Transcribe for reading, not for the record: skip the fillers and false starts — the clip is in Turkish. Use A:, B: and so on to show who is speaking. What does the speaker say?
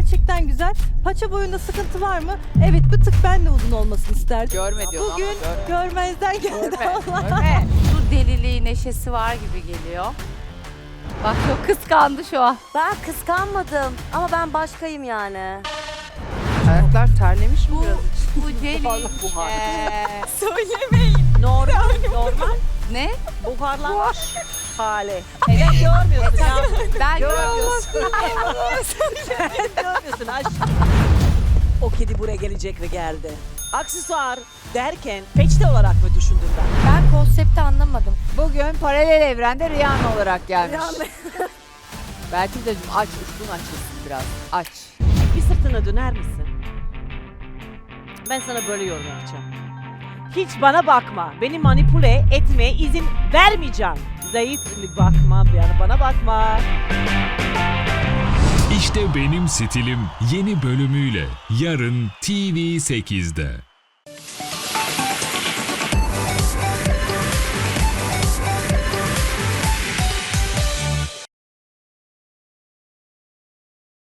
A: gerçekten güzel. Paça boyunda sıkıntı var mı? Evet, bir tık ben de uzun olmasını isterdim.
B: Görme diyorsun
A: Bugün
B: ama görme.
A: görmezden geldi Allah.
B: Görme. Su deliliği, neşesi var gibi geliyor. Bak çok kıskandı şu an.
C: Ben kıskanmadım ama ben başkayım yani.
B: Ayaklar terlemiş mi biraz? Bu deli.
D: buhar.
A: Söylemeyin.
D: Normal
B: Ne?
D: buharlanmış hali. Evet görmüyorsun ya.
B: Ben
D: Görmüyorsun. Görmüyorsun aşkım. O kedi buraya gelecek ve geldi. Aksesuar derken peçete olarak mı düşündün ben?
E: Ben konsepti anlamadım.
F: Bugün paralel evrende Rihanna olarak gelmiş. Belki de aç, uçtuğun açılsın biraz. Aç.
D: Bir sırtına döner misin? Ben sana böyle yorum yapacağım. Hiç bana bakma. Beni manipüle etmeye izin vermeyeceğim. Zayıf bakma, bana bakma.
G: İşte benim stilim yeni bölümüyle yarın TV8'de.